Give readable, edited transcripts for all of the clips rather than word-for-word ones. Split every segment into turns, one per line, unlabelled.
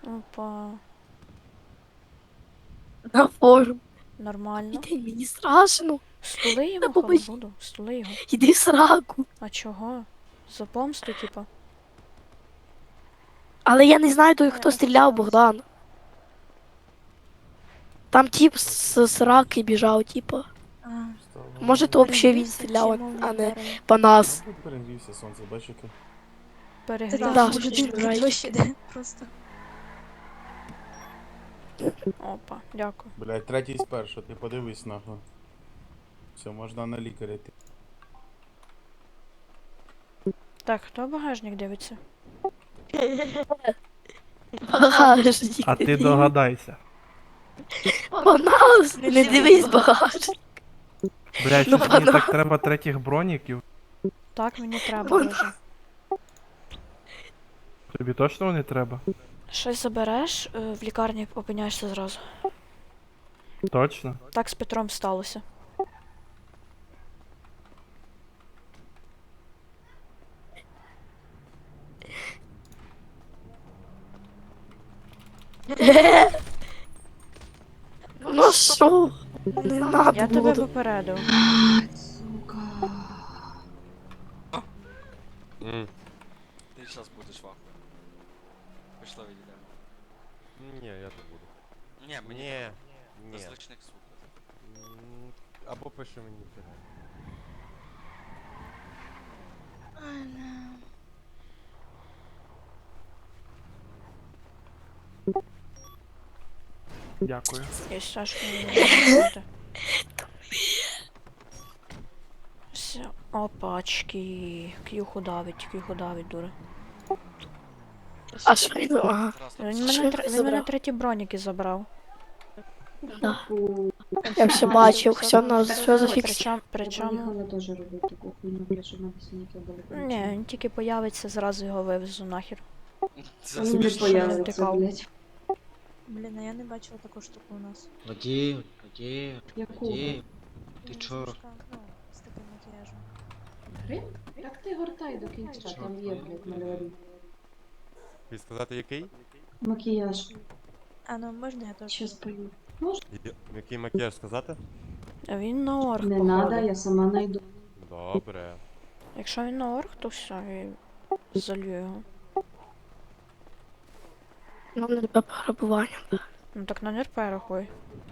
Опа.
На форум.
Нормально.
Іди, мені страшно.
Стули його,
Допоможи.
халабуду. Стули його.
Іди в сраку.
А чого? За помсту, типа?
Але я не знаю той, хто
А
стріляв,
що
Богдан. Там тип з сраки біжав, типа. Може, то взагалі він стріляв, а не по нас.
Мабуть, перегрівся сонце, бачите?
Перегрів.
Да,
Може,
що
він
ти
дощ іде просто.
Опа, дякую.
Блять, третій спершу, ти подивись нахуй. Все, можна на лікаря йти.
Так, хто багажник дивиться?
Багажник.
А ти догадайся.
По нас, не дивись багажник.
Блядь,
Ну,
щось мені
пана.
так треба третіх броніків.
Так, мені треба
Вон.
дуже.
Тобі точно не треба?
Щось забереш, в лікарні опиняєшся зразу.
Точно?
Так з Петром сталося.
Ну що? Не надо
Я тебе
було.
попередив.
Ти зараз будеш вахуй. Пішла відійдемо.
Ні, я не буду.
Ні, мені
Ні, ні.
без личних суд.
Або пиши мені в телеграм.
Дякую.
Я Сашку не Все. Опачки. К'юху давить, дура.
А що він? Ага.
Він
Що
мене,
ти
він мене
забрав?
треті броніки забрав.
Да. Я все бачив, все на все зафіксував.
Причому...
Поїхала теж робити таку хуйню, блядь, щоб на синяки були.
Ні, він тільки появиться, зразу його вивезу нахер.
Це
Він не
смішно,
смішно.
що не
появиться,
втікав.
блядь.
Блін, а я не бачила таку штуку у нас.
Водій, водій,
Яку?
водій. Ти
Ну,
чо?
штучка, ну, з таким макіяжем.
Грим? Так ти гортай до кінця, там є, блядь, мальовий.
І сказати який?
Макіяж.
А, ну можна я теж?
Щас пою.
Який макіяж сказати?
А він на орг,
Не
походу.
надо, я сама найду.
Добре.
Якщо він на орг, то все, я залью його.
Ну, не тебе пограбування.
Ну так на НРП рахуй.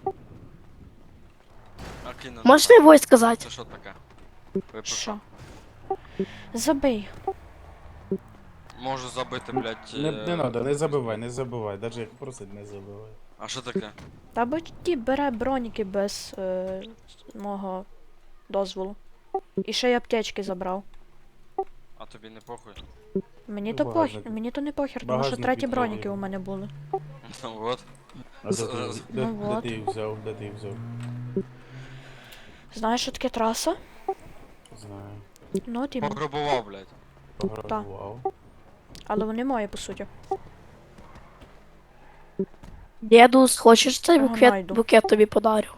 Окей, ну,
Можеш мені войс сказати?
Це що таке? Ви про
Що? Забий.
Можу забити, блядь.
Не надо, не забивай. Даже як просить, не забивай.
А що таке?
Та бо ті бере броніки без мого дозволу. І ще й аптечки забрав.
А тобі не похуй?
Мені
Ну,
то
багажник.
похер, мені то не похер, тому що
Багажник
треті
відкрий.
броніки у мене були.
Ну от.
А
З-
де
вот.
ти їх взяв, де ти їх взяв?
Знаєш, що таке траса?
Знаю.
Ну, от іменно.
Пограбував, блядь.
Пограбував.
Але вони мої, по суті.
Дідус, хочеш цей
Ага,
букет,
найду.
букет тобі подарю?